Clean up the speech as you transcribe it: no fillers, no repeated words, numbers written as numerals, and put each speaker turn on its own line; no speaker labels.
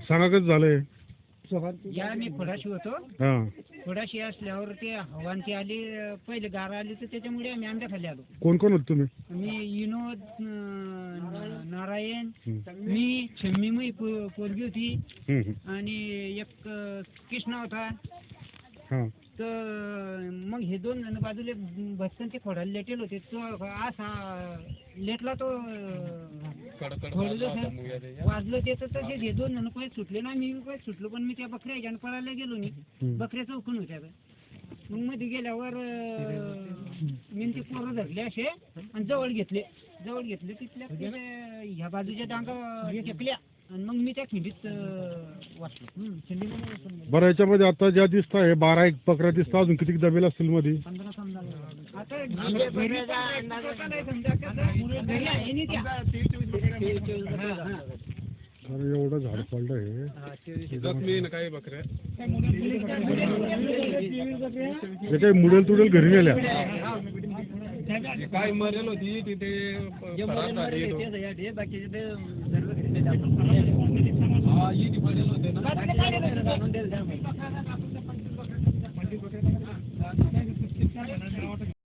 सांगा कसं झालंय.
या मी खोडाशी होतो.
हा.
खोडाशी असल्यावर ते हवांची आली, पहिले गार आली तर त्याच्यामुळे आम्ही आंब्या खाली आलो.
कोण कोण होत तुम्ही?
मी विनोद, नारायण, मी छम्मी पोरगी होती आणि एक कृष्णा होता.
हा.
तर मग हे दोन जण बाजूले भटकन ते खोडाला लेटेल होते. तो असा लेटला, तो वाजलं ते. तर तसे हे दोन जण पहिले सुटले ना, मी पहिले सुटलो. पण मी त्या बकऱ्या ह्याच्यानं पळायला गेलो नाही. बकऱ्या चौकून होत्या. मग मध्ये गेल्यावर मी ते पोरं धरले असे आणि जवळ घेतले तिथल्या ह्या बाजूच्या डांगा टेकल्या आणि मग मी त्या खिंडीत वाचलो.
बरं, याच्यामध्ये आता ज्या दिसत आहे 12-1 बकऱ्या दिसतात, अजून किती दबेल असतील मध्ये?
15 समजा. आता घरी आहे नाही त्या.
अरे एवढं झाड पडलं हे.
काही बकऱ्या
काही मुडेल तुडेल घरी नेल्या.
काय मरेल होती तिथे.